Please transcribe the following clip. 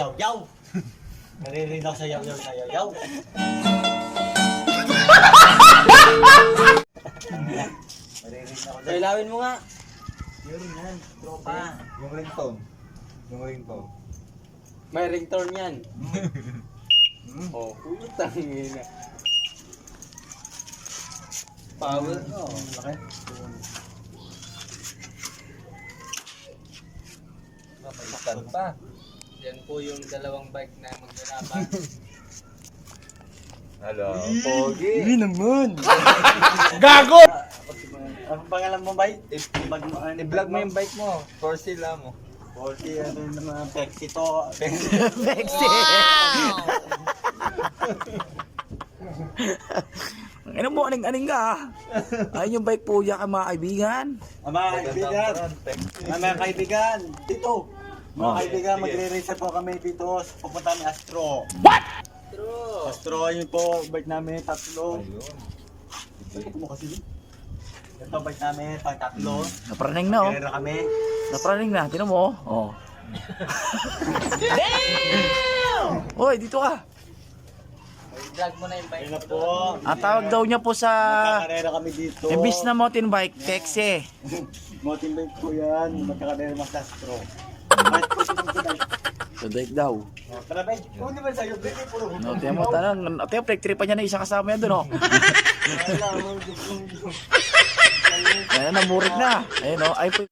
yaw-yaw. Naririnig ako sa yaw-yaw na yaw-yaw. Naririnig ako dyan. Kailawin mo nga. Yun yan, tropa. Yung ringtone. Yung ringtone. May ringtone yan. Oh, putang ina. Power. Oh, laki. Mapalitan pa. Yan po yung dalawang bike na maglalaban. Hello, Pogi. naman. Gago! Anong pangalan mo, bay? I-vlog mo yung bike mo. For sila mo. 40, ano naman, Pexi to. Pexi. Ano mo, aning ka. Ayun yung bike po ya ka mga kaibigan. Mga kaibigan, mga kaibigan, dito. Mga kaibigan, magre-race po kami dito. Pupunta ni Astro. True. Astro, yun po, bike namin, tatlo. Ayun. Ito mo kasi. Ito, bike namin, pang tatlo. Napraning na oh. Karera kami. Napraning na, tinan mo oh. Damn! Hoy, dito ka. Drag mo na yung bike. Ayun na po. Ang tawag daw niya po sa Magkakarera kami dito. imbis na mountain bike, Pexi. Mountain bike po yan. Magkakarera mas Astro. Bakit po sinunod? So, bike daw. Tara, bay. Kung di ba sa'yo, bay, puro. No, tiyan mo, tanang. Tiyan, break-tripan niya na isa kasama yan doon oh. Ayan, namurig na. Ayun oh, ay po.